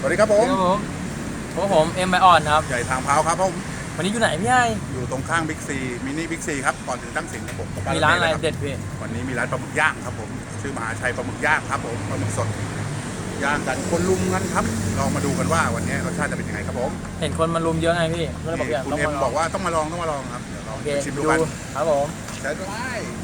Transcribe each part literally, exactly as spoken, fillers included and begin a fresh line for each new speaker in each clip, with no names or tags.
วัสดีครับผม
ครับผมพวกผมเอ็มไบออนครับ
ใหญ่ทางเท้าครับผม
วันนี้อยู่ไหนพี่ไอ
อยู่ตรงข้างบิ๊กซีมินิบิ๊กซีครับก่อนถึงตั้งสินครับผม
มีร้านอะไรเด็ดพี่
วันนี้มีร้านปลาหมึกย่างครับผมชื่อมหาชัยปลาหมึกย่างครับผมปลาหมึกสดย่างกันคนลุมกันครับลองมาดูกันว่าวันนี้รสชาติจะเป็นยังไงครับผม
เห็นคนมารุมเยอะไงพี่ก็เลยบอกอยาก
คุณ
ต้อง
เอ็ม
มาล
บ
อ
อง กว่าต้องมาลองต้องมาลองครับเดี๋ยวลอง
โอเค
ชิมดู
ดู
กัน
ครับผม
ใช้ได้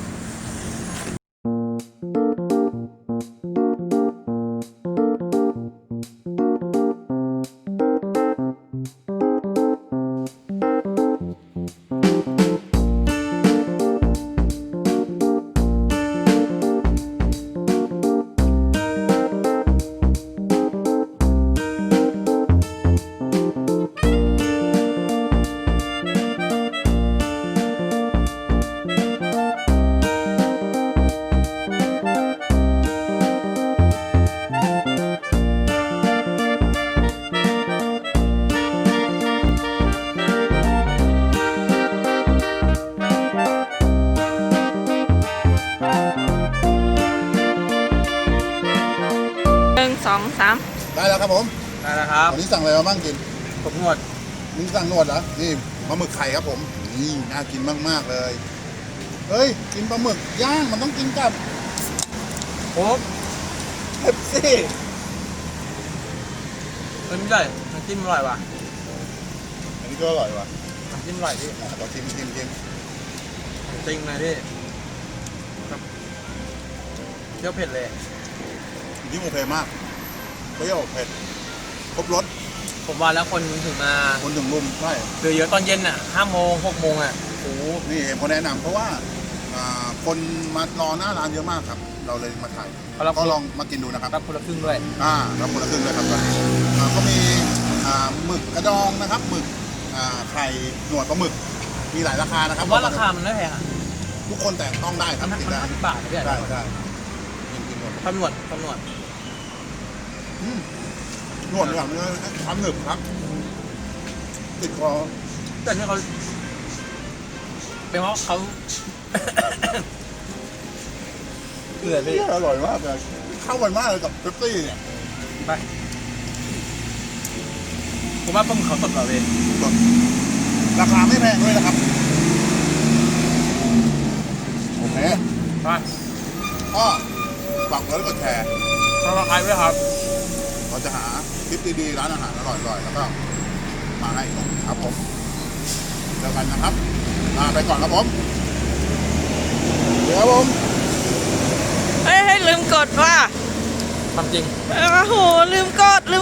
หนึ่งสองสาม
ได้แล้วครับผม
ได้แล้วครับ
วันนี้สั่งอะไรมาบ้างกิน
ผมนวด
นี่สั่งนวดเหรอนี่ปลาหมึกไข่ครับผมนี่น่ากินมากๆเลยเฮ้ยกินปลาหมึกย่างมันต้องกินกับ
โอ้
เป๊ปซี่
เอ้ยไม่ใช่น้ำจิ้มอร่อยว่ะ
อันนี้ก็อร่อยว่ะ
น้ำจิ้มอร่อยพี่
อ่ะขอชิมชิมชิม
จริงเลยพี่ครับเปรี้ยวเผ็ดเลย
ยิ่งโอเคมากเปรี้ยวเผ็ดครบรส
ผมว่าแล้วคนถึงมา
คนถึงรุมใช่
เหลือเยอะตอนเย็นอ่ะห้าโมงหกโมงอ่ะโอ้โห
นี่เห็นคนแนะนำเพราะว่าอ่าคนมารอหน้าร้านเยอะมากครับ เราเลยมาถ่ายก็ลองมากินดูนะครับ
รับคนละครึ่งด้วย
อ่ารับคนละครึ่งเลยครับตอนนี้อ่าก็มีอ่าหมึกกระดองนะครับหมึกอ่าไข่หนวดปลาหมึกมีหลายราคานะค
ผ
รับ
มว่าราคามันไม่แพงอ่ะ
ทุกคนแต่ต้องได้ครับ
มัน
กิน
มัน
ได้
ห้าสิบบาทนะพี่ไอ
ได้ได้กินกินหมด
ตำรวจตำรวจ
อืมหนวดอย่างนี้ความหนึบครับติดคอ
แต่นี่เขาเป็นเพราะเขาเกลือพี่
อร่อยมากเลยเข้ากันมากเลยกับเป๊ปซี่เนี่ย
ไปผมว่าปลาหมึกเขาสดกว่าเว้ย
ราคาไม่แพงด้วยนะครับโอเค
ไป
ก็ฝากกดไลค์กดแชร์
สำหรับใครด้วยครับ
เราจะหาคลิปดีๆร้านอาหารอร่อยๆแล้วก็มาให้ครับผมเจอกันนะครับลาไปก่อนครับผมเดี๋ยวครับผม
เฮ้ยให้ลืมกดว่า
ความจริง
โอ้โหลืมกดลืม